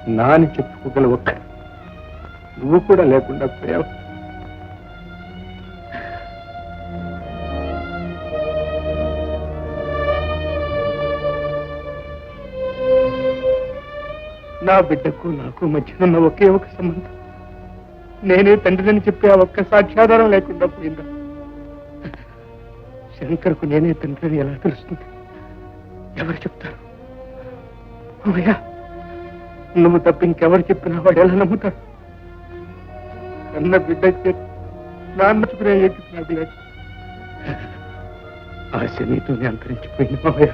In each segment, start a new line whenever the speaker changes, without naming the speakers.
నాని చెప్పుకోగల ఒక్క నువ్వు కూడా లేకుండా పోయావు. నా బిడ్డకు నాకు మధ్య ఉన్న ఒకే ఒక సంబంధం నేనే తండ్రిని చెప్పే ఆ ఒక్క సాక్ష్యాధారం లేకుండా పోయిందా? శంకర్కు నేనే తండ్రిని ఎలా తెలుస్తుంది? ఎవరు చెప్తారు? అమ్మయ్యా, నువ్వు తప్ప ఇంకెవరు చెప్పినా వాడు ఎలా నమ్ముతాడు? కన్న బిడ్డ నాన్నచుకునే అభిలాష ఆశ నీతోనే అంతరించిపోయింది మావయ్య.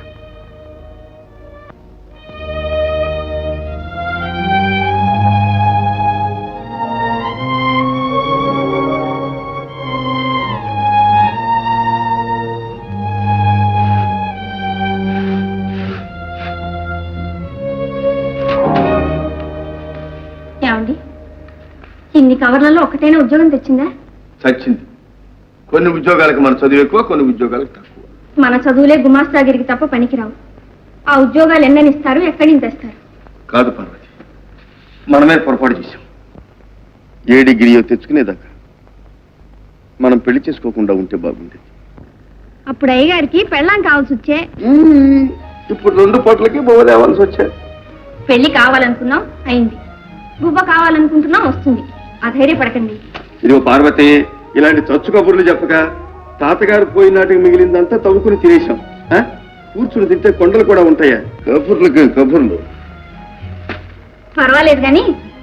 ఇన్ని కవర్లలో ఒకటైనా ఉద్యోగం తెచ్చిందా?
చచ్చింది. కొన్ని ఉద్యోగాలకు మన చదువు ఎక్కువ, కొన్ని ఉద్యోగాలకు తక్కువ.
మన చదువులే గుమాస్తాగిరికి తప్ప పనికిరావు. ఆ ఉద్యోగాలు ఎన్నని ఇస్తారు, ఎక్కడి నుంచి తెస్తారు?
కాదు పార్వతి, మనమే పొరపాటు చేశాం. ఏ డిగ్రీయో తెచ్చుకునేదాకా మనం పెళ్లి చేసుకోకుండా ఉంటే బాగుండేది.
అప్పుడు అయ్యగారికి పెళ్ళాం కావాల్సి వచ్చే.
ఇప్పుడు 2 పూటలకి బొవ్వ లేవాల్సి వచ్చాయి.
పెళ్లి కావాలనుకున్నాం, అయింది. గువ్వ కావాలనుకుంటున్నాం, వస్తుంది. అధైర్యపడకండి.
ఇదిగో పార్వతి, ఇలాంటి చచ్చు కబుర్లు చెప్పక తాతగారు పోయినాటికి మిగిలిందంతా తవ్వుకుని తినేశాం. కూర్చుని తింటే కొండలు కూడా ఉంటాయా? కబుర్లకు కబుర్లు.
పర్వాలేదు కానీ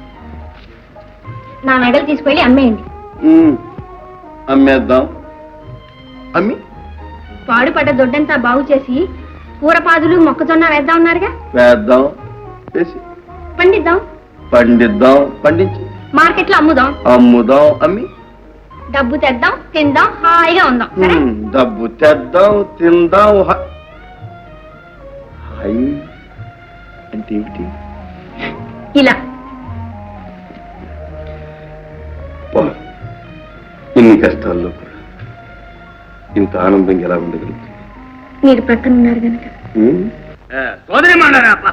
నా మెడలు తీసుకెళ్ళి అమ్మేయండి.
అమ్మేద్దాం. అమ్మి
పాడుపడ్డ దొడ్డంతా బాగు చేసి కూరపాదులు మొక్కజొన్న వేద్దాం ఉన్నారుగా.
వేద్దాం, వేసి
పండిద్దాం.
పండిద్దాం, పండించి
మార్కెట్లో అమ్ముదాం.
అమ్ముదాం, అమ్మి
డబ్బు తెద్దాం, తిందాం, హాయిగా ఉందాం.
డబ్బు తెద్దాం, తిందాం. హాయ్ అంటే ఏమిటి?
ఇలా
ఇన్ని కష్టాల్లో కూడా ఇంత ఆనందంగా ఎలా ఉండగలుగుతుంది?
మీరు ప్రక్కన ఉన్నారు కనుక.
సోదరి మాట్లాడారా?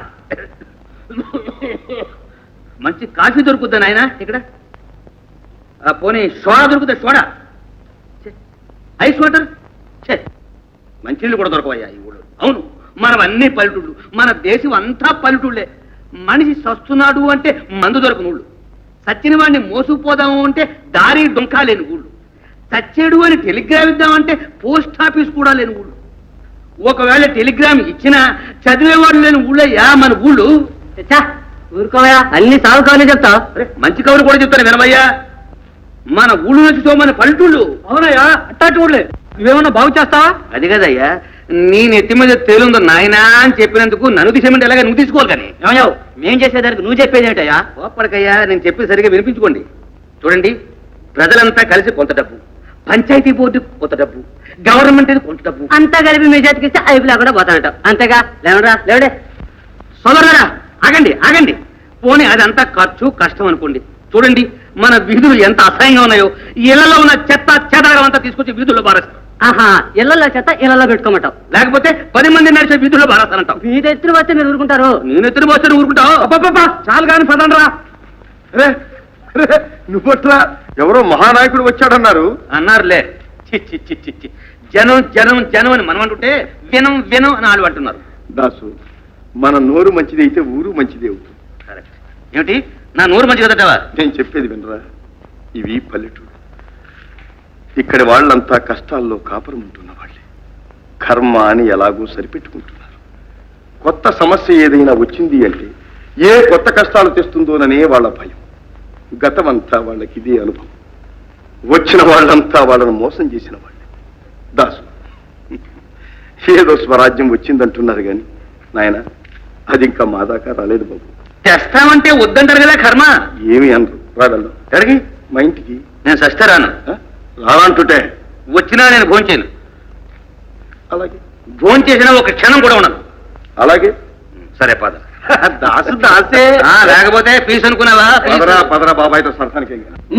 మంచి కాఫీ దొరుకుద్దా నాయన ఇక్కడ? పోనీ సోడా దొరుకుతా? సోడా, ఐస్ వాటర్, మంచినీళ్ళు కూడా దొరకవయ్యా ఈ ఊళ్ళో. అవును, మనం అన్ని పల్లెటూళ్ళు, మన దేశం అంతా పల్లెటూళ్ళే. మనిషి సస్తున్నాడు అంటే మందు దొరకని ఊళ్ళు, సచ్చిన వాడిని మోసుకుపోదాము అంటే దారి డొంకా లేని ఊళ్ళు, చచ్చేడు అని టెలిగ్రామ్ ఇద్దామంటే పోస్ట్ ఆఫీస్ కూడా లేని ఊళ్ళు. ఒకవేళ టెలిగ్రామ్ ఇచ్చినా చదివేవాడు లేని ఊళ్ళయ్యా మన ఊళ్ళు. ఊరుకోవయా, అన్ని సాగు కవర్లు చెప్తా. మంచి కవులు కూడా చెప్తాను వినమయ్యా. మన ఊళ్ళు నుంచి మన పల్లెటూళ్ళు. అవునయ్యా, అట్టాటి ఊళ్ళే. నువ్వేమన్నా బాగు చేస్తావా? అది కదయ్యా, నీ నెత్తి మీద తేలుందో నాయనా అని చెప్పినందుకు నన్ను తీసేమంటే ఎలాగ నువ్వు తీసుకోవాలి. కానీ ఏమయ్యావు, మేం చేసేదానికి నువ్వు చెప్పేది ఏంటయ్యా? ఓపడకయ్యా, నేను చెప్పి సరిగా వినిపించుకోండి. చూడండి, ప్రజలంతా కలిసి కొంత డబ్బు, పంచాయతీ బోర్డు కొంత డబ్బు, గవర్నమెంట్ కొంత డబ్బు అంతా కలిపి మీ చేతికిస్తే ఐపులా కూడా పోతానట. అంతేగా? లేవరా లేవడే సోదరులారా, ఆగండి ఆగండి. పోనీ అదంతా ఖర్చు కష్టం అనుకోండి. చూడండి, మన వీధులు ఎంత అసహ్యంగా ఉన్నాయో. ఇళ్లలో ఉన్న చెత్త చెదారం అంతా తీసుకొచ్చి వీధుల్లో బారేస్తాం. ఆహా, ఇళ్లలో చెత్త ఇళ్లలో పెట్టుకోమంటావు, లేకపోతే 10 మంది నడిచే వీధుల్లో బారేస్తానంటావు. వీధి ఎత్తున వస్తే మీరు ఊరుకుంటారు? నేను ఎత్తున వస్తే ఊరుకుంటావు? చాలు కానీ పదండ్రా.
నువ్వట్లా ఎవరో మహానాయకుడు వచ్చాడన్నారు.
అన్నారులే. చి చి చి చి, జనం జనం జనం అని మనం అంటుంటే వినం వినం అని వాళ్ళు అంటున్నారు.
దాసు, మన నోరు మంచిది అయితే ఊరు మంచిది అవుతుంది.
ఏమిటి నా నోరు మంచి కదటవా?
నేను చెప్పేది వినరా, ఇవి పల్లెటూరు. ఇక్కడి వాళ్ళంతా కష్టాల్లో కాపురం ఉంటున్న వాళ్ళే. కర్మ అని ఎలాగో సరిపెట్టుకుంటున్నారు. కొత్త సమస్య ఏదైనా వచ్చింది అంటే ఏ కొత్త కష్టాలు తెస్తుందోననే వాళ్ళ భయం. గతమంతా వాళ్ళకి ఇదే అనుభవం. వచ్చిన వాళ్ళంతా వాళ్ళను మోసం చేసిన వాళ్ళే. దాసు, ఏదో స్వరాజ్యం వచ్చిందంటున్నారు కానీ నాయన, అది ఇంకా మా దాకా రాలేదు బాబు.
తెస్తామంటే వద్దంటారు కదా కర్మ.
ఏమి అనరు. రాగలరు ఎక్కడికి? మా ఇంటికి.
నేను సస్తే రాను.
రానంటుంటే
వచ్చినా నేను భోంచేయను.
అలాగే.
భోంచేసినా ఒక క్షణం కూడా ఉండదు.
అలాగే.
సరే పద.
దాసు దాసే.
లేకపోతే ఫీజు అనుకున్నావా?
పదరా పదరా, బాబాయ్తో సరసానికి.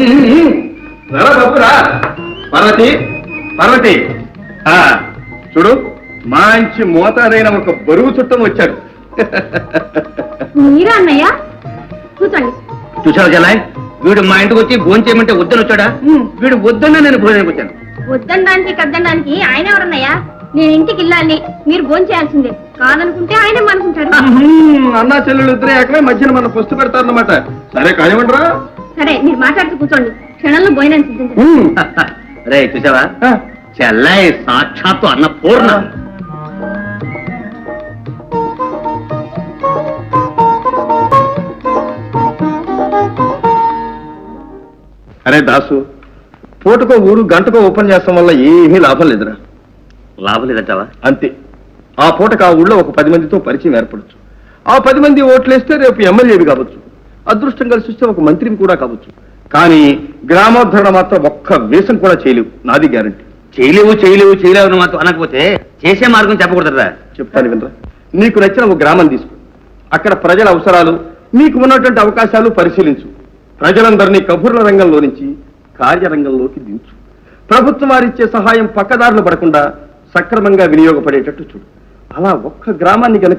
పార్వతి, పార్వతి, చూడు, మంచి మోతాదైన ఒక బరువు చుట్టం వచ్చాడు.
మీరా అన్నయ్య? కూర్చోండి.
చూసావు జలాయ్, వీడు మా ఇంటికి వచ్చి భోజనం చేయమంటే వద్దని వచ్చాడా? వీడు వద్దన్నా నేను భోజనానికి వచ్చాను.
వద్దనడానికి కద్దనడానికి ఆయన ఎవరన్నాయా? నేను ఇంటికి వెళ్ళాలి, మీరు భోజనం చేయాల్సిందే. కాదనుకుంటే ఆయనే అనుకుంటారు.
అన్నా చెల్లెలు ఇద్దరే ఏకమే మధ్యన మన పుస్తు పెడతారన్నమాట. సరే కానివ్వండిరా.
సరే, మీరు మాట్లాడుతూ కూర్చోండి. క్షణంలో భోజనం సిద్ధించండి.
రే చూసావా, చెల్లాయి సాక్షాత్తు అన్నపూర్ణ.
అరే దాసు, పూటకో ఊరు గంటకో ఓపెన్ చేస్తాం వల్ల ఏమీ లాభం లేదురా.
లాభం లేదంటావా?
అంతే. ఆ పూటకు ఆ ఊళ్ళో ఒక 10 మందితో పరిచయం ఏర్పడచ్చు. ఆ 10 మంది ఓట్లేస్తే రేపు ఎమ్మెల్యేవి కావచ్చు, అదృష్టం కలిసి వస్తే ఒక మంత్రిని కూడా కావచ్చు. కానీ గ్రామోద్ధరణ మాత్రం ఒక్క వేషం కూడా చేయలేవు, నాది గ్యారంటీ.
చేయలేవు మాత్రం అనకపోతే చేసే మార్గం చెప్పకూడదురా.
చెప్తాను వినరా. నీకు నచ్చిన ఒక గ్రామం తీసుకో, అక్కడ ప్రజల అవసరాలు, మీకు ఉన్నటువంటి అవకాశాలు పరిశీలించు. ప్రజలందరినీ కబుర్ల రంగంలో నుంచి కార్యరంగంలోకి దించు. ప్రభుత్వం వారిచ్చే సహాయం పక్కదారులు పడకుండా సక్రమంగా వినియోగపడేటట్టు చూడు. అలా ఒక్క గ్రామాన్ని